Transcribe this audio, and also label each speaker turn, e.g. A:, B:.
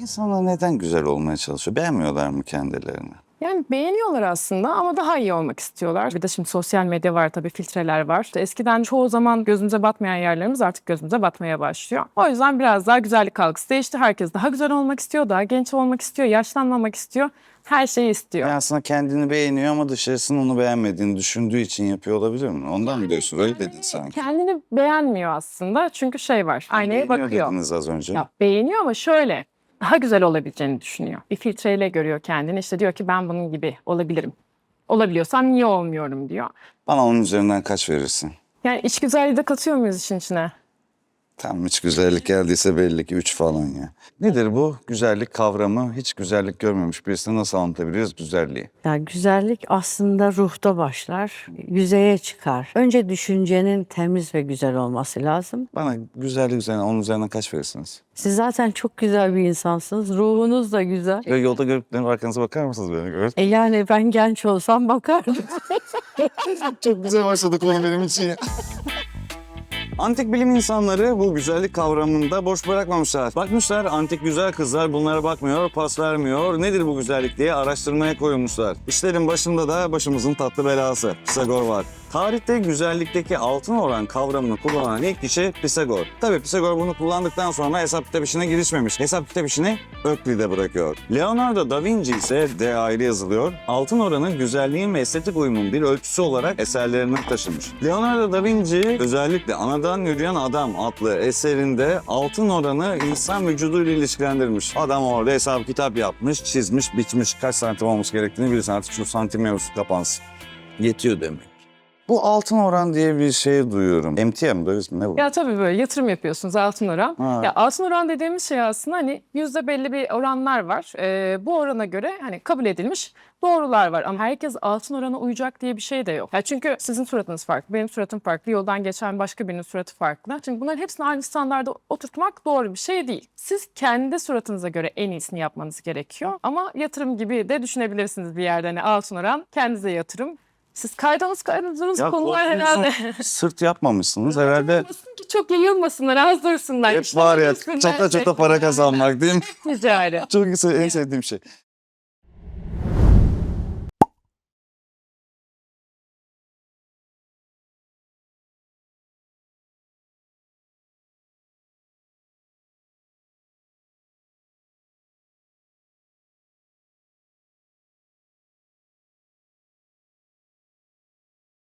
A: İnsanlar neden güzel olmaya çalışıyor? Beğenmiyorlar mı kendilerini?
B: Yani beğeniyorlar aslında ama daha iyi olmak istiyorlar. Bir de şimdi sosyal medya var tabii, filtreler var. İşte eskiden çoğu zaman gözümüze batmayan yerlerimiz artık gözümüze batmaya başlıyor. O yüzden biraz daha güzellik algısı değişti. Herkes daha güzel olmak istiyor, daha genç olmak istiyor, yaşlanmamak istiyor. Her şeyi istiyor.
A: Yani aslında kendini beğeniyor ama dışarısının onu beğenmediğini düşündüğü için yapıyor olabilir mi? Ondan mı diyorsun? Öyle dedin sanki.
B: Kendini beğenmiyor aslında çünkü şey var, aynaya
A: Beğeniyor
B: bakıyor.
A: dediniz az önce.
B: Ya beğeniyor ama şöyle, daha güzel olabileceğini düşünüyor. Bir filtreyle görüyor kendini. İşte diyor ki ben bunun gibi olabilirim. Olabiliyorsam niye olmuyorum diyor.
A: Bana onun üzerinden kaç verirsin?
B: Yani iç güzelliği de katıyor muyuz işin içine?
A: Tam hiç güzellik geldiyse belli ki 3 falan ya. Nedir bu güzellik kavramı? Hiç güzellik görmemiş birisine nasıl anlatabiliriz güzelliği?
C: Yani güzellik aslında ruhta başlar, yüzeye çıkar. Önce düşüncenin temiz ve güzel olması lazım.
A: Bana güzellik üzerinden, onun üzerinden kaç verirsiniz?
C: Siz zaten çok güzel bir insansınız, ruhunuz da güzel.
A: Böyle yolda görüp dönüp arkanıza bakar mısınız beni? Evet.
C: Yani ben genç olsam bakardım.
A: Çok güzel başladı konu benim için ya. Antik bilim insanları bu güzellik kavramını da boş bırakmamışlar. Bakmışlar antik güzel kızlar bunlara bakmıyor, pas vermiyor. Nedir bu güzellik diye araştırmaya koyulmuşlar. İşlerin başında da başımızın tatlı belası Pisagor var. Tarihte güzellikteki altın oran kavramını kullanan ilk kişi Pisagor. Tabii Pisagor bunu kullandıktan sonra hesap kitap işine girişmemiş. Hesap kitap işini Öklid'e bırakıyor. Leonardo da Vinci ise D ayrı yazılıyor. Altın oranı güzelliğin ve estetik uyumun bir ölçüsü olarak eserlerine taşımış. Leonardo da Vinci özellikle Anadan Yürüyen Adam adlı eserinde altın oranı insan vücuduyla ilişkilendirmiş. Adam orada hesap kitap yapmış, çizmiş, biçmiş kaç santim olması gerektiğini bilirsin artık şu santim mevzusu kapansın. Yetiyor demek. Bu altın oran diye bir şey duyuyorum. Emtia mı deriz mi? Ne bu?
B: Ya tabii böyle yatırım yapıyorsunuz, altın oran.
A: Ha.
B: Ya altın oran dediğimiz şey aslında hani yüzde belli bir oranlar var. Bu orana göre hani kabul edilmiş doğrular var. Ama herkes altın orana uyacak diye bir şey de yok. Ya çünkü sizin suratınız farklı, benim suratım farklı, yoldan geçen başka birinin suratı farklı. Çünkü bunların hepsini aynı standarda oturtmak doğru bir şey değil. Siz kendi suratınıza göre en iyisini yapmanız gerekiyor. Ama yatırım gibi de düşünebilirsiniz bir yerde. Hani altın oran kendinize yatırım. Siz kaydınız konular herhalde.
A: Sırt yapmamışsınız herhalde.
B: Olmasın ki çok yayılmasınlar, az dursunlar.
A: Hep
B: İşler
A: var ya
B: dursunlar.
A: çata çata para kazanmak değil mi?
B: Ticari.
A: Çok en sevdiğim şey.